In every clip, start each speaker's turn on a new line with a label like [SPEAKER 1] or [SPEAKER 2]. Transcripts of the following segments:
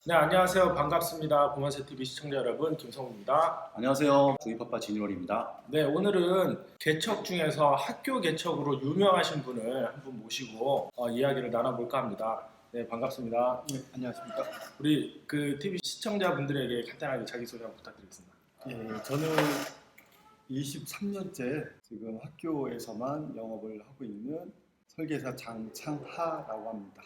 [SPEAKER 1] 네, 안녕하세요. 반갑습니다. 보만세 TV 시청자 여러분, 김성우입니다.
[SPEAKER 2] 안녕하세요. 조이파파 진일원입니다.
[SPEAKER 1] 네, 오늘은 개척 중에서 학교 개척으로 유명하신 분을 한 분 모시고 이야기를 나눠볼까 합니다. 네, 반갑습니다.
[SPEAKER 3] 네, 안녕하십니까.
[SPEAKER 1] 우리 그 TV 시청자분들에게 간단하게 자기소개 한번 부탁드리겠습니다.
[SPEAKER 3] 예, 저는 23년째 지금 학교에서만 영업을 하고 있는 설계사 장창하라고 합니다.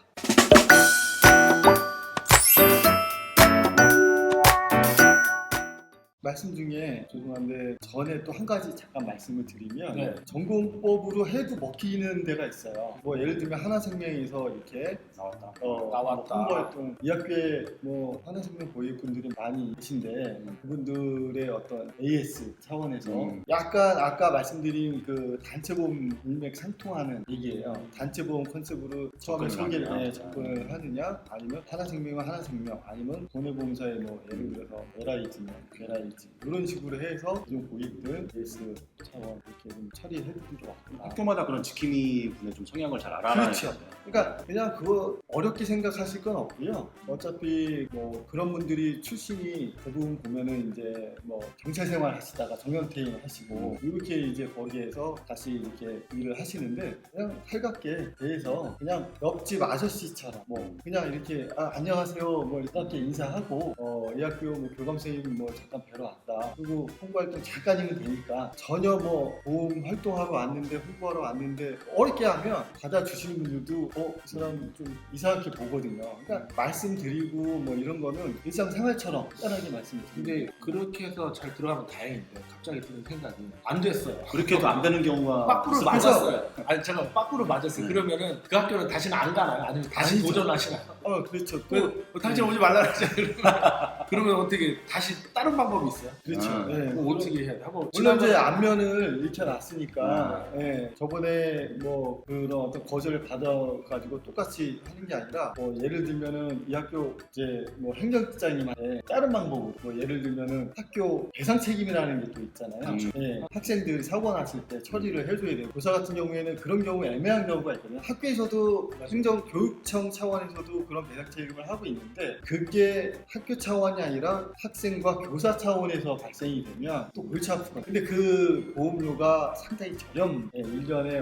[SPEAKER 3] 말씀 중에 죄송한데 전에 또 한 가지 잠깐 말씀을 드리면
[SPEAKER 1] 네.
[SPEAKER 3] 전공법으로 해도 먹히는 데가 있어요. 뭐 예를 들면 하나생명에서 이렇게
[SPEAKER 2] 나왔다.
[SPEAKER 1] 나왔다.
[SPEAKER 3] 홍보활동 이 학교에 뭐 하나생명 고객분들이 많이 계신데 그분들의 어떤 AS 차원에서 약간 아까 말씀드린 그 단체보험 일맥상통하는 얘기예요. 단체보험 컨셉으로 처음에 설계를 접근을 하느냐, 아니면 하나생명은 하나생명, 아니면 손해보험사의 뭐 예를 들어서 LIG면 LIG 이런 식으로 해서 기존 고객들 AS 차원 이렇게 좀 처리해드리러 왔구나.
[SPEAKER 2] 학교마다 그런 지킴이 분의 좀 성향을 잘 알아야
[SPEAKER 3] 그렇죠. 그러니까 그냥 그거 어렵게 생각하실 건 없고요. 어차피 뭐 그런 분들이 출신이 대부분 보면은 이제 뭐 경찰 생활 하시다가 정년퇴임 하시고 이렇게 이제 거기에서 다시 이렇게 일을 하시는데 그냥 살갑게 대해서 그냥 옆집 아저씨처럼 뭐 그냥 이렇게 안녕하세요 뭐 이렇게 인사하고 이 학교 뭐 교감선생님 뭐 잠깐 뵈러 왔다. 그리고 홍보활동 잠깐이면 되니까 전혀 뭐 보험 활동하러 왔는데 홍보하러 왔는데 어렵게 하면 받아주시는 분들도 이 사람 좀 이상하게 보거든요. 그러니까 말씀드리고 뭐 이런 거는 일상생활처럼 간단하게 말씀드리고.
[SPEAKER 1] 근데 그렇게 해서 잘 들어가면 다행인데 갑자기 드는 생각이 안 됐어요.
[SPEAKER 2] 그렇게 해도 안 되는 경우가
[SPEAKER 1] 빠꾸를
[SPEAKER 2] 있어요.
[SPEAKER 1] 맞았어요. 아니 잠깐 빠꾸를 맞았어요. 그러면은 그 학교는 다시는 안 가나요? 아니면 다시
[SPEAKER 3] 아니죠.
[SPEAKER 1] 도전하시나요?
[SPEAKER 3] 그렇죠.
[SPEAKER 1] 당신 오지 말라 그러잖아요. 그러면 어떻게 다시 다른 방법이 있어요?
[SPEAKER 3] 그렇죠. 네.
[SPEAKER 1] 그럼 어떻게 해야 돼? 하고
[SPEAKER 3] 물론 이제 안면을 익혀놨으니까 저번에 뭐 그런 어떤 거절을 받아가지고 똑같이 하는 게 아니라 뭐 예를 들면은 이 학교 이제 뭐 행정국장님한테 다른 방법으로 뭐 예를 들면은 학교 배상 책임이라는 게 또 있잖아요. 학생들 사고 났을 때 처리를 해줘야 돼요. 교사 같은 경우에는 그런 경우 애매한 경우가 있거든요. 학교에서도 행정교육청 차원에서도 그런 배상 책임을 하고 있는데 그게 학교 차원이 아니라 학생과 교사 차원에서 발생이 되면 또 골치 아프거든요. 근데 그 보험료가 상당히 저렴. 1년에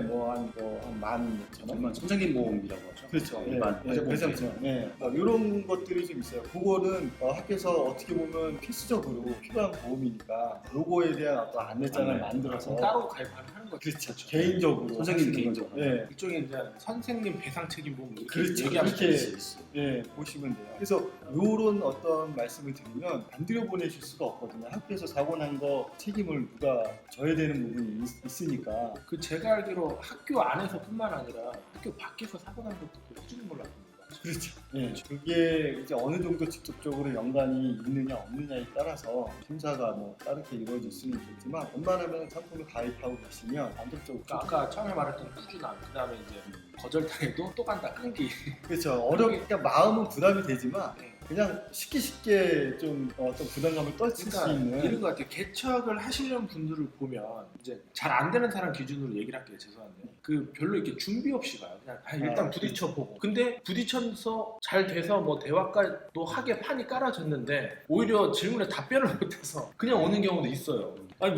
[SPEAKER 3] 한 15,000원?
[SPEAKER 2] 선생님 보험이라고 하죠.
[SPEAKER 3] 그렇죠.
[SPEAKER 2] 일반
[SPEAKER 3] 배상처럼. 이런 것들이 좀 있어요. 그거는 학교에서 어떻게 보면 필수적으로 필요한 보험이니까 요거에 대한 어떤 안내장을 만들어서
[SPEAKER 1] 따로 가입하는 거죠.
[SPEAKER 3] 그렇죠. 개인적으로
[SPEAKER 2] 선생님
[SPEAKER 3] 하시는
[SPEAKER 2] 개인적으로.
[SPEAKER 3] 거죠. 네.
[SPEAKER 1] 일종의 이제 선생님 배상 책임 보험 이렇게
[SPEAKER 3] 그렇죠.
[SPEAKER 1] 얘기하면
[SPEAKER 3] 그렇게
[SPEAKER 1] 되지.
[SPEAKER 3] 보시면 돼요. 그래서 요런 어떤 말씀을 드리면 안 들여보내실 수가 없거든요. 학교에서 사고 난 거 책임을 누가 져야 되는 부분이 있으니까.
[SPEAKER 1] 그 제가 알기로 학교 안에서뿐만 아니라 학교 밖에서 사고 난 것도 해주는 걸로 알고 있는 거죠.
[SPEAKER 3] 그렇죠. 그게 이제 어느 정도 직접적으로 연관이 있느냐 없느냐에 따라서 심사가 뭐 다르게 이루어질 수는 있겠지만 웬만하면 상품을 가입하고 계시면 안정적으로
[SPEAKER 1] 아까 처음에 말했던 꾸준함, 그 다음에 이제 거절당해도 또 간다, 끈기.
[SPEAKER 3] 그렇죠. 그러니까 마음은 부담이 되지만 그냥 쉽게 좀 어떤 부담감을 떨칠 수 있는
[SPEAKER 1] 이런 것 같아요. 개척을 하시려는 분들을 보면 이제 잘 안 되는 사람 기준으로 얘기를 할게요. 죄송한데 그 별로 이렇게 준비 없이 가요. 그냥 일단 부딪혀 보고. 근데 부딪혀서 잘 돼서 뭐 대화까지도 하게 판이 깔아졌는데 오히려 질문에 답변을 못해서 그냥 오는 경우도 있어요. 아니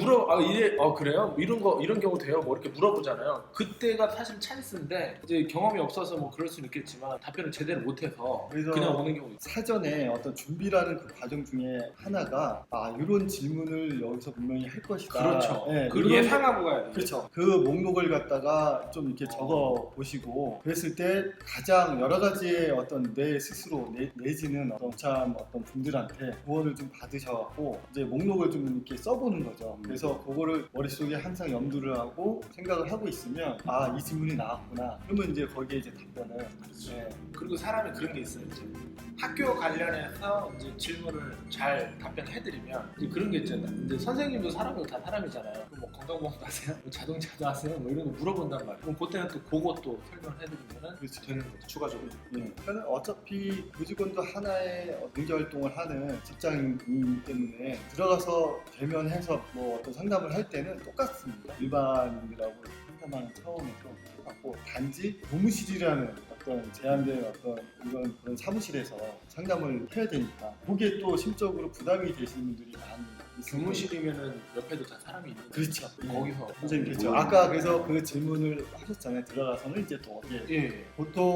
[SPEAKER 1] 그래요? 이런 경우 돼요? 뭐 이렇게 물어보잖아요. 그때가 사실 찬스인데 이제 경험이 없어서 뭐 그럴 수는 있겠지만 답변을 제대로 못해서 그냥 오는 경우도 있어요.
[SPEAKER 3] 사전에 어떤 준비라는 그 과정 중에 하나가 이런 질문을 여기서 분명히 할 것이다.
[SPEAKER 1] 그렇죠.
[SPEAKER 3] 네,
[SPEAKER 1] 그걸 예상하고 가야 돼요.
[SPEAKER 3] 그렇죠. 그 목록을 갖다가 좀 이렇게 적어 보시고 그랬을 때 가장 여러 가지의 어떤 내 스스로 내지는 어떤 분들한테 조언을 좀 받으셔갖고 이제 목록을 좀 이렇게 써보는 거죠. 그래서 그거를 머릿속에 항상 염두를 하고 생각을 하고 있으면 이 질문이 나왔구나. 그러면 이제 거기에 이제 답변을.
[SPEAKER 1] 그리고 사람이 그런 게 있어요. 이제 학교 관련해서 이제 질문을 잘 답변해드리면 이제 그런 게 있잖아요. 이제 선생님도 사람이고 다 사람이잖아요. 뭐 건강보험도 하세요? 뭐 자동차도 하세요? 뭐 이런 거 물어본단 말이에요. 그럼 그때는 또 그것도 설명해드리면 되는 거죠.
[SPEAKER 2] 추가적으로.
[SPEAKER 3] 그러니까 어차피 교직원도 하나의 경제활동을 하는 직장인이기 때문에 들어가서 대면해서 뭐 어떤 상담을 할 때는 똑같습니다. 일반인들하고 상담하는 차원에서 똑같고 단지 교무실이라는 어떤 제한된 어떤 이런 그런 사무실에서 상담을 해야 되니까 그게 또 심적으로 부담이 되시는 분들이 많이 있어요.
[SPEAKER 1] 교무실이면은 옆에도 다 사람이 있는
[SPEAKER 3] 그렇죠.
[SPEAKER 1] 거기서
[SPEAKER 2] 선생님
[SPEAKER 3] 그렇죠. 아까 그래서 그 질문을 하셨잖아요. 들어가서는 이제 또
[SPEAKER 1] 예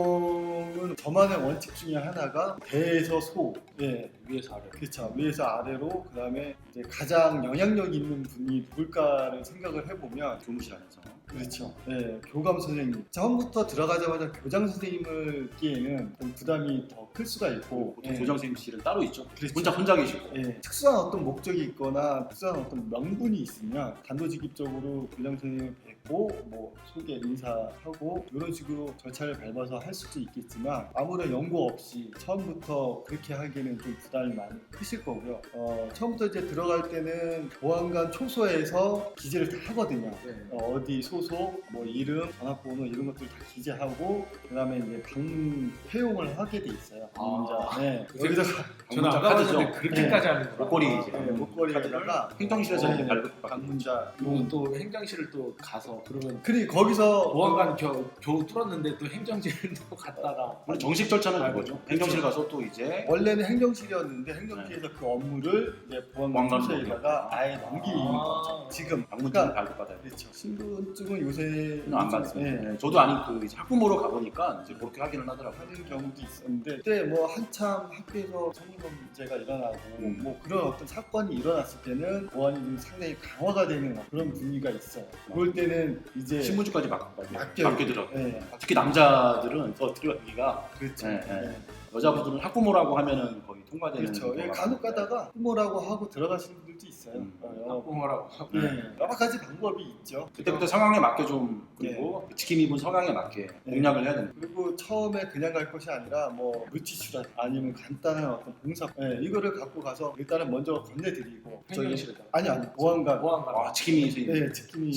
[SPEAKER 3] 보통은 저만의 원칙 중에 하나가 대에서 소, 예,
[SPEAKER 1] 위에서 아래
[SPEAKER 3] 그렇죠. 위에서 아래로 그다음에 이제 가장 영향력 있는 분이 누굴까를 생각을 해보면
[SPEAKER 2] 교무실 안에서
[SPEAKER 3] 그렇죠. 예, 교감 선생님. 처음부터 들어가자마자 교장 선생님을 끼에는 좀 부담이 더 클 수가 있고
[SPEAKER 2] 보통
[SPEAKER 3] 예,
[SPEAKER 2] 교장 선생님실은 따로 있죠.
[SPEAKER 3] 그렇죠.
[SPEAKER 2] 혼자 계시고.
[SPEAKER 3] 예, 특수한 어떤 목적이 있거나 특수한 어떤 명분이 있으면 단도직입적으로 교장 선생님을 뵙고 뭐 소개 인사하고 이런 식으로 절차를 밟아서 할 수도 있겠지만 아무런 연고 없이 처음부터 그렇게 하기에는 좀 부담이 많이 크실 거고요. 처음부터 이제 들어갈 때는 보안관 초소에서 기재를 다 하거든요.
[SPEAKER 1] 네.
[SPEAKER 3] 어디 소속, 뭐 이름, 전화번호 이런 것들 다 기재하고 그다음에 이제 방문 회용을 하게 돼 있어요. 방문자. 네. 여기서
[SPEAKER 1] 저는
[SPEAKER 2] 방문자
[SPEAKER 1] 아까
[SPEAKER 2] 카드죠.
[SPEAKER 1] 전에 그렇게까지 하는 거
[SPEAKER 2] 목걸이 이제
[SPEAKER 3] 목걸이에다가
[SPEAKER 2] 행정실에서
[SPEAKER 3] 네,
[SPEAKER 2] 이렇게 발급
[SPEAKER 3] 방문자.
[SPEAKER 1] 그리고 또 행정실을 또 가서 그러면
[SPEAKER 3] 거기서
[SPEAKER 1] 보안관 겨우 뚫었는데 또 행정실도 갔다가
[SPEAKER 2] 원래 정식 절차는
[SPEAKER 1] 아,
[SPEAKER 2] 그거죠.
[SPEAKER 3] 그렇죠.
[SPEAKER 2] 행정실 가서 또 이제
[SPEAKER 3] 원래는 행정실이었는데 행정실에서 그 업무를 이제 보안관
[SPEAKER 2] 보안관으로
[SPEAKER 3] 초소에다가 아예 넘기는 거죠. 지금
[SPEAKER 2] 방문증
[SPEAKER 3] 그러니까
[SPEAKER 2] 발급받아야 돼요.
[SPEAKER 3] 그렇죠. 신분증은 요새
[SPEAKER 2] 안 받습니다.
[SPEAKER 3] 네,
[SPEAKER 2] 네, 저도 아니 그 이제 학부모로 가보니까 이제 그렇게 하기는 하더라고요.
[SPEAKER 3] 하는 경우도 있었는데 그때 뭐 한참 학교에서 성희롱 문제가 일어나고 뭐 그런 어떤 사건이 일어났을 때는 보안이 좀 상당히 강화가 되는 그런 분위기가 있어요. 그럴 때는 이제
[SPEAKER 2] 신분증까지 맡게
[SPEAKER 3] 맡겨요.
[SPEAKER 2] 들어가요.
[SPEAKER 3] 네,
[SPEAKER 2] 특히 남자들은 더 들어가기가
[SPEAKER 3] 그렇죠.
[SPEAKER 2] 네, 네.
[SPEAKER 3] 네.
[SPEAKER 2] 여자분들은 학부모라고 하면은 거의 통과되는
[SPEAKER 3] 그렇죠. 예,
[SPEAKER 2] 경우가
[SPEAKER 3] 간혹
[SPEAKER 2] 많은데.
[SPEAKER 3] 가다가 부모라고 하고 들어가시는 분들도 있어요.
[SPEAKER 1] 학부모라고 하고
[SPEAKER 3] 여러 가지 방법이 있죠.
[SPEAKER 2] 그때부터 상황에 맞게 좀 그리고 그 지킴이 입은 성향에 맞게 공략을 해야 됩니다.
[SPEAKER 3] 그리고 처음에 그냥 갈 것이 아니라 뭐 물티슈라 아니면 간단한 어떤 봉사 이거를 갖고 가서 일단은 먼저 건네드리고
[SPEAKER 1] 행정실에다
[SPEAKER 3] 아니 보안관
[SPEAKER 1] 보안관
[SPEAKER 2] 지킴이 선생님.
[SPEAKER 3] 네, 지킴이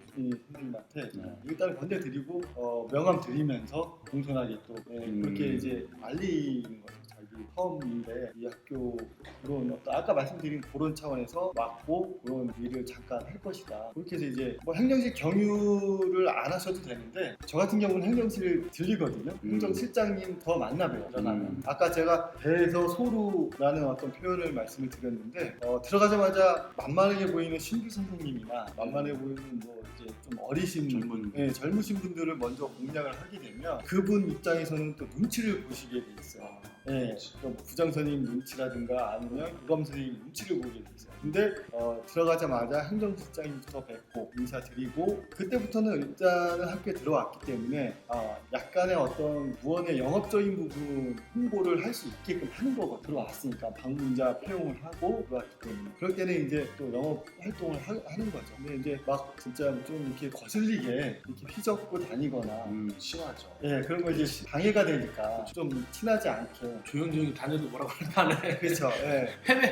[SPEAKER 3] 선생님한테
[SPEAKER 2] 네.
[SPEAKER 3] 일단 건네드리고 명함 드리면서 공손하게 또 그렇게 이제 알리는 거죠. 자기 처음인데 이 학교 그런 어떤 아까 말씀드린 그런 차원에서 맡고 그런 일을 잠깐 할 것이다. 그렇게 해서 이제 뭐 행정실 경유를 안 하셔도 되는데 저 같은 경우는 행정실을 들리거든요. 행정실장님 더 만나봬요. 일어나면 아까 제가 배에서 소루라는 어떤 표현을 말씀을 드렸는데 들어가자마자 만만하게 보이는 신규 선생님이나 만만해 보이는 뭐 이제 좀 어리신 젊으신 분들을 먼저 공략을 하게 되면 그분 입장에서는 또 눈치를 보시게 돼 있어요. 네, 또 부장 선생님 눈치라든가 아니면 교감 선생님 눈치를 보게 돼 있어요. 근데 들어가자마자 행정실장님부터 뵙고 인사드리고 그때부터는 일단은 학교에 들어왔기 때문에 약간의 어떤 무언의 영업적인 부분 홍보를 할 수 있게끔 하는 거고 들어왔으니까 방문자 폐용을 하고 들어왔기 때문에 그럴 때는 이제 또 영업 활동을 하는 거죠. 근데 이제 막 진짜 좀 이렇게 거슬리게 이렇게 휘젓고 다니거나
[SPEAKER 1] 심하죠.
[SPEAKER 3] 예, 그런 거 이제 방해가 되니까 좀 친하지 않게
[SPEAKER 1] 조용조용히 다녀도 뭐라고 할만해.
[SPEAKER 3] 그렇죠. 예.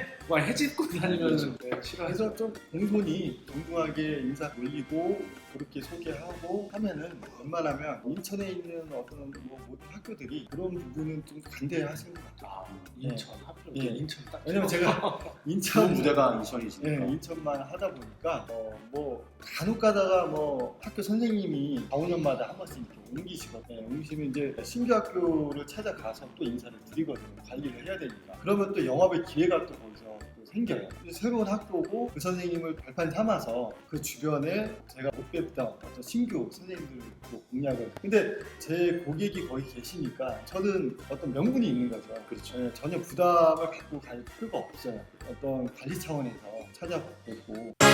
[SPEAKER 1] 해집고 다니면 싫어해서
[SPEAKER 3] 그래서 좀 공손히 동등하게 인사 올리고 그렇게 소개하고 하면은 웬만하면 인천에 있는 어떤 뭐 모든 학교들이 그런 부분은 좀 간대하시는 것 같아요.
[SPEAKER 1] 인천 하필
[SPEAKER 3] 예.
[SPEAKER 1] 인천 딱
[SPEAKER 3] 왜냐면 제가
[SPEAKER 2] 좋은
[SPEAKER 3] 인천
[SPEAKER 2] 무대가 인천이시니까.
[SPEAKER 3] 인천만 하다 보니까 뭐 간혹 가다가 뭐 학교 선생님이 4, 5년마다 한 번씩 이렇게 옮기시거든요. 옮기시면 이제 신규 학교를 찾아가서 또 인사를 드리거든요. 관리를 해야 되니까. 그러면 또 영업의 기회가 또 거기서 또 생겨요. 새로운 학교고 그 선생님을 발판 삼아서 그 주변에 제가 못 뵙던 어떤 신규 선생님들도 공략을. 근데 제 고객이 거기 계시니까 저는 어떤 명분이 있는 거죠.
[SPEAKER 2] 그렇죠.
[SPEAKER 3] 전혀 부담을 갖고 갈 필요가 없어요. 어떤 관리 차원에서 찾아뵙고